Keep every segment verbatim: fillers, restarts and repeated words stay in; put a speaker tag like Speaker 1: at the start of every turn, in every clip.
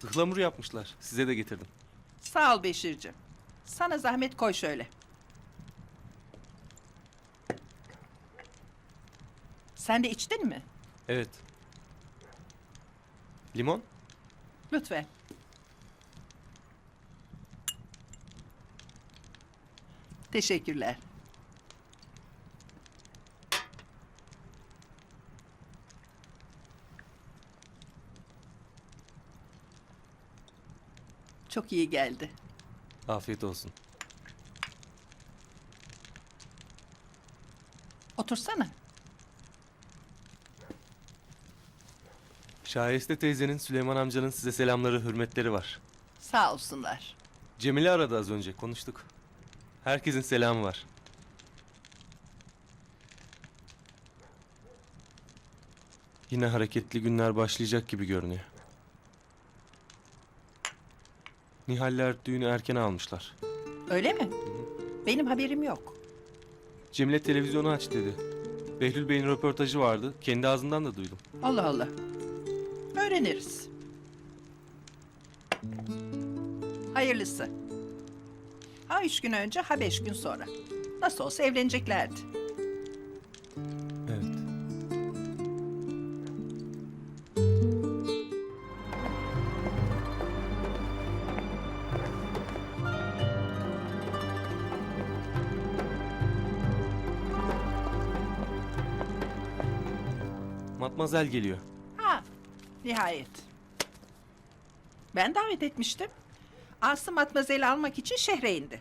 Speaker 1: Ihlamur yapmışlar. Size de getirdim.
Speaker 2: Sağ ol Beşir'cim. Sana zahmet koy şöyle. Sen de içtin mi?
Speaker 1: Evet. Limon?
Speaker 2: Lütfen. Teşekkürler. Çok iyi geldi.
Speaker 1: Afiyet olsun.
Speaker 2: Otursana.
Speaker 1: Şahiste teyzenin, Süleyman amcanın size selamları, hürmetleri var.
Speaker 2: Sağ olsunlar.
Speaker 1: Cemile aradı az önce, konuştuk. Herkesin selamı var. Yine hareketli günler başlayacak gibi görünüyor. Nihaller düğünü erken almışlar.
Speaker 2: Öyle mi? Benim haberim yok.
Speaker 1: Cemile televizyonu aç dedi. Behlül Bey'in röportajı vardı. Kendi ağzından da duydum.
Speaker 2: Allah Allah. Öğreniriz. Hayırlısı. Ha üç gün önce ha beş gün sonra. Nasıl olsa evleneceklerdi.
Speaker 1: Evet. Matmazel geliyor.
Speaker 2: Ha, nihayet. Ben davet etmiştim. Asım Matmazel'i almak için şehre indi.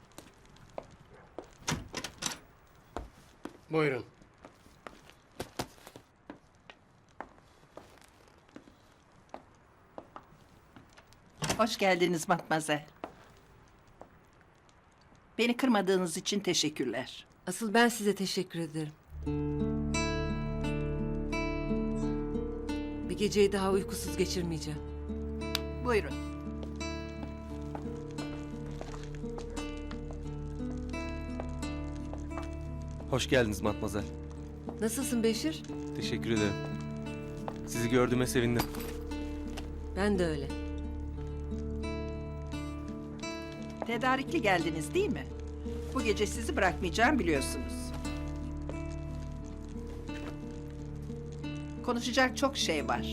Speaker 3: Buyurun.
Speaker 2: Hoş geldiniz Matmazel. Beni kırmadığınız için teşekkürler.
Speaker 4: Asıl ben size teşekkür ederim. Bir geceyi daha uykusuz geçirmeyeceğim.
Speaker 2: Buyurun.
Speaker 1: Hoş geldiniz Matmazel.
Speaker 4: Nasılsın Beşir?
Speaker 1: Teşekkür ederim. Sizi gördüğüme sevindim.
Speaker 4: Ben de öyle.
Speaker 2: Tedarikli geldiniz değil mi? Bu gece sizi bırakmayacağım biliyorsunuz. Konuşacak çok şey var.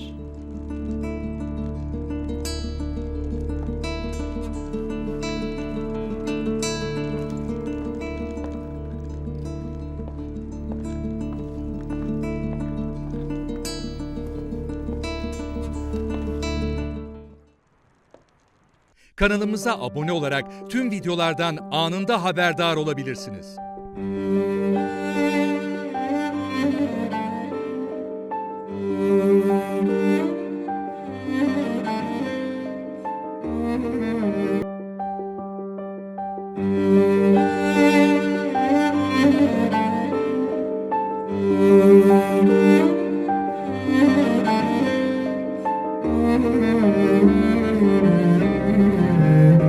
Speaker 5: Kanalımıza abone olarak tüm videolardan anında haberdar olabilirsiniz.